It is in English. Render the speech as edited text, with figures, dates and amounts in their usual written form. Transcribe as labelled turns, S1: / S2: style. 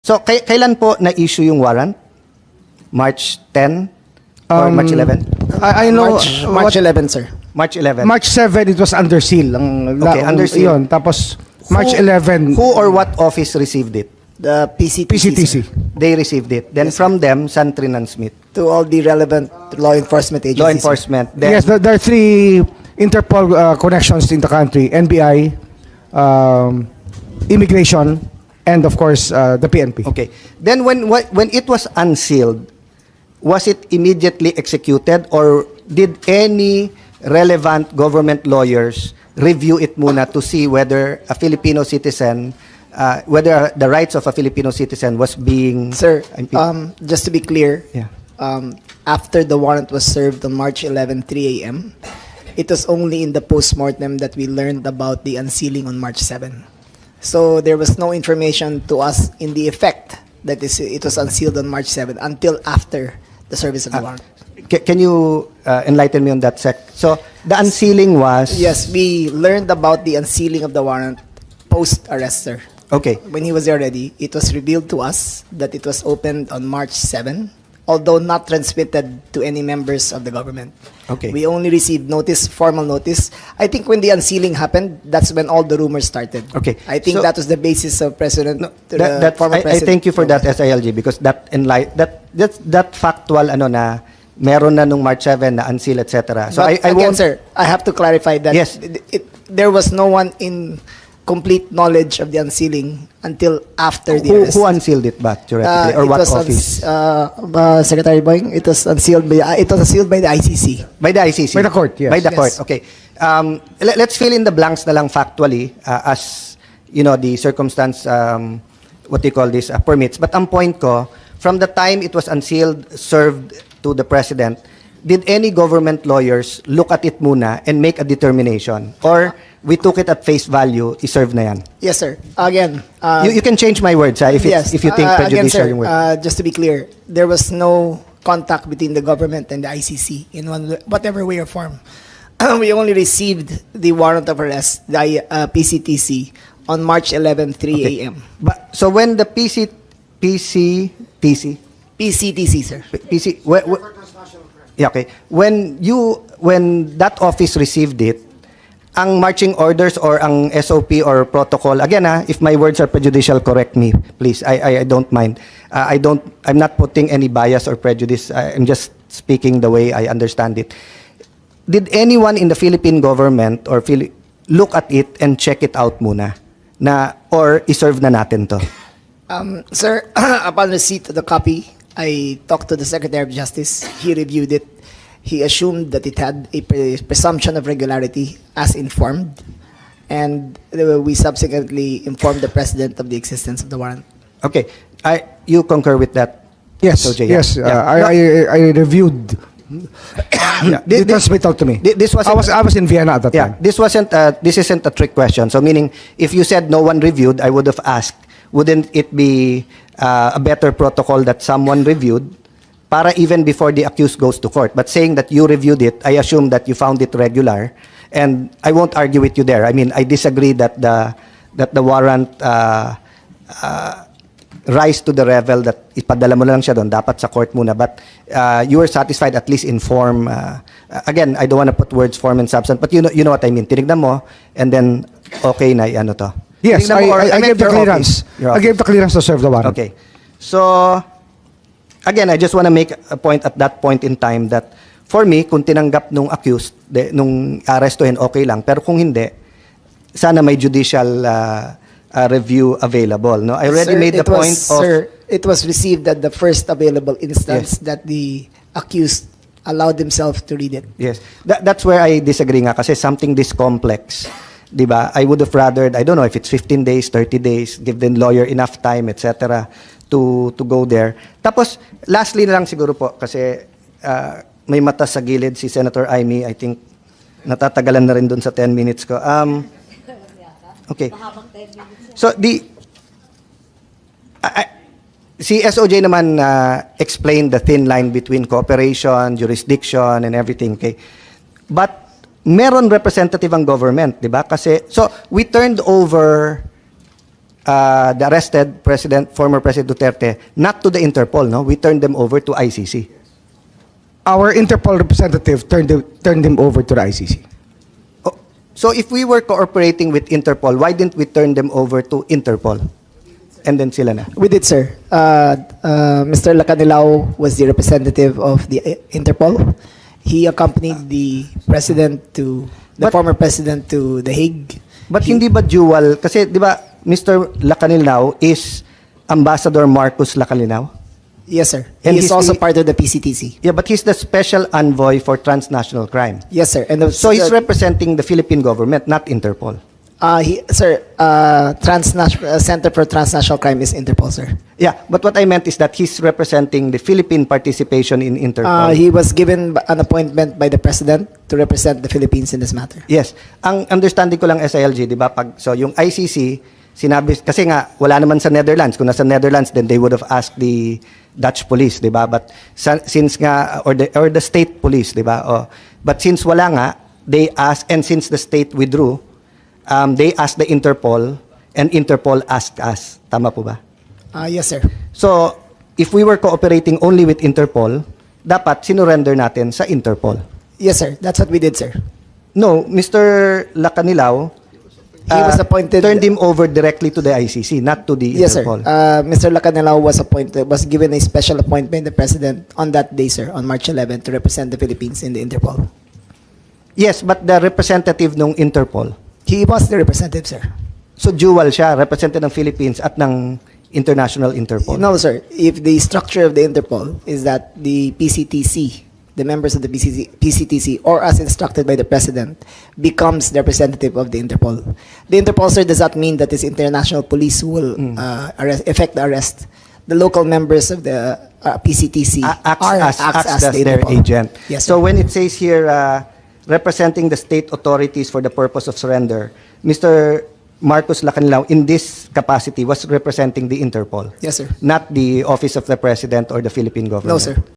S1: So, kailan po na-issue yung warrant? March 10 or March 11?
S2: I know
S3: March 11, sir.
S1: March 11.
S2: March 7 it was under seal.
S1: Okay, under seal.
S2: Yun. Tapos March 11
S1: Who or what office received it?
S3: The PCTC,
S2: PCTC.
S3: sir.
S1: They received it. Then from them, San Trinan Smith.
S3: To all the relevant law enforcement agencies.
S1: Law enforcement. Then,
S2: Yes, there are 3 Interpol connections in the country: NBI, immigration, and of course the PNP.
S1: okay. Then when it was unsealed, was it immediately executed or did any relevant government lawyers review it muna to see whether a Filipino citizen, whether the rights of a Filipino citizen was being
S3: Sir,
S1: impeded?
S3: just to be clear,
S1: Yeah.
S3: after the warrant was served on March 11, 3 a.m., it was only in the postmortem that we learned about the unsealing on March 7. So there was no information to us in the effect that it was unsealed on March 7 until after the service of the warrant.
S1: Can you enlighten me on that, Sec? So the unsealing was
S3: Yes, we learned about the unsealing of the warrant post-arrest, sir.
S1: okay.
S3: When he was there already, it was revealed to us that it was opened on March 7, although not transmitted to any members of the government.
S1: Okay.
S3: We only received notice, formal notice. I think when the unsealing happened, that's when all the rumors started.
S1: Okay.
S3: I think
S1: So-
S3: that was the basis of President,
S1: That
S3: former
S1: I
S3: President.
S1: thank you for that SILG because that factual na meron na nung March 7 na unseal etc. So
S3: But
S1: I
S3: again,
S1: won't
S3: sir, I have to clarify that
S1: Yes.
S3: there was no one in complete knowledge of the unsealing until after the arrest.
S1: who unsealed it ba theoretically or
S3: It
S1: what
S3: was
S1: office?
S3: Secretary Boying, it was unsealed by the ICC.
S1: By the ICC.
S2: By the court, yes.
S1: By the
S3: Yes.
S1: court. Okay. Let's fill in the blanks na lang factually as you know the circumstance what do you call this permits. But ang point ko, from the time it was unsealed, served to the president, did any government lawyers look at it muna and make a determination? Or we took it at face value, iserve na yan?
S3: Yes, sir. Again,
S1: You can change my words if you think
S3: again,
S1: prejudicial
S3: sir,
S1: yung word.
S3: just to be clear, there was no contact between the government and the ICC in whatever way or form. We only received the warrant of arrest, the PCTC, on March 11, 3
S1: Okay.
S3: a.m.
S1: But, so when the PCTC,
S3: PCTC, sir.
S1: yeah, okay. When that office received it, ang marching orders or ang SOP or protocol, again if my words are prejudicial, correct me, please. I don't mind. I'm not putting any bias or prejudice. I'm just speaking the way I understand it. Did anyone in the Philippine government or look at it and check it out muna? Or iserve na natin to?
S3: Sir, upon receipt of the copy, I talked to the Secretary of Justice. He reviewed it. He assumed that it had a presumption of regularity as informed. And we subsequently informed the President of the existence of the warrant.
S1: Okay. You concur with that?
S2: Yes,
S1: SOJ,
S2: yes.
S1: yeah.
S2: I reviewed.
S1: Yeah.
S2: They transmit out to me.
S1: This wasn't-
S2: I was in Vienna at that
S1: Yeah,
S2: time.
S1: this isn't a trick question. So meaning, if you said no one reviewed, I would have asked, wouldn't it be a better protocol that someone reviewed para even before the accused goes to court? But saying that you reviewed it, I assume that you found it regular, and I won't argue with you there. I mean, I disagree that the warrant rise to the level that ipadala mo na lang siya doon, dapat sa court muna. But you were satisfied at least in form. Again, I don't want to put words form and substance, but you know what I mean. Tinignan mo, and then okay na ano to.
S2: Yes,
S1: Tinignan mo, or
S2: I
S1: meant
S2: gave the
S1: your
S2: clearance.
S1: office. Your
S2: I gave the clearance to serve the warrant.
S1: Okay. So, again, I just want to make a point at that point in time that for me, kung tinanggap nung accused, nung arestuhin, okay lang. Pero kung hindi, sana may judicial review available. No, I already
S3: Sir,
S1: made the point of...
S3: Sir, it was received at the first available instance
S1: Yes.
S3: that the accused allowed himself to read it.
S1: Yes. That's where I disagree nga kasi something this complex, 'di ba? I would have rather, I don't know if it's 15 days, 30 days, give the lawyer enough time, etc. to go there. Tapos lastly na lang siguro po kasi may mata sa gilid si Senator Amy, I think natatagalan na rin doon sa 10 minutes ko. Okay. So si SOJ naman explained the thin line between cooperation, jurisdiction, and everything. Okay? But meron representative ang government, di ba? Kasi, so we turned over the arrested former President Duterte, not to the Interpol, no? We turned them over to ICC.
S2: Our Interpol representative turned him over to the ICC.
S1: Oh, so if we were cooperating with Interpol, why didn't we turn them over to Interpol? And then sila na.
S3: We did, sir. Mr. Lacanilao was the representative of the Interpol. He accompanied the former president to The Hague.
S1: But hindi ba dual? Kasi di ba Mr. Lacanilao is Ambassador Marcos Lacanilao?
S3: Yes, sir.
S1: And
S3: He is
S1: he's
S3: also
S1: the-
S3: part of the PCTC.
S1: Yeah, but he's the special envoy for transnational crime.
S3: Yes, sir. And
S1: So he's representing the Philippine government, not Interpol.
S3: Center for Transnational Crime is Interpol, sir.
S1: Yeah, but what I meant is that he's representing the Philippine participation in Interpol.
S3: He was given an appointment by the president to represent the Philippines in this matter.
S1: Yes. Ang understanding ko lang SILG, di ba? So yung ICC, sinabi, kasi nga, wala naman sa Netherlands. Kung nasa Netherlands, then they would have asked the Dutch police, di ba? But since nga, or the state police, di ba? Oh, but since wala nga, they asked, and since the state withdrew, they asked the Interpol, and Interpol asked us. Tama po ba?
S3: Yes, sir.
S1: So, if we were cooperating only with Interpol, dapat sinurrender natin sa Interpol.
S3: Yes, sir. That's what we did, sir.
S1: No, Mr. Lacanilao,
S3: He was appointed.
S1: turned him over directly to the ICC, not to the
S3: Yes, sir.
S1: Interpol.
S3: Mr. Lacanilao was given a special appointment by the president on that day, sir, on March 11, to represent the Philippines in the Interpol.
S1: Yes, but the representative ng Interpol.
S3: He was the representative, sir.
S1: So dual siya, representative ng Philippines at ng International Interpol.
S3: No, sir. If the structure of the Interpol is that the PCTC, the members of the PCTC, or as instructed by the president, becomes the representative of the Interpol. The Interpol, sir, does not mean that this international police will effect the arrest. The local members of the PCTC
S1: acts as
S3: the
S1: their
S3: Interpol.
S1: agent.
S3: Yes,
S1: So
S3: sir.
S1: when it says here, representing the state authorities for the purpose of surrender, Mr. Marcos Lacanilao, in this capacity, was representing the Interpol,
S3: Yes, sir.
S1: not the Office of the President or the Philippine government.
S3: No, sir.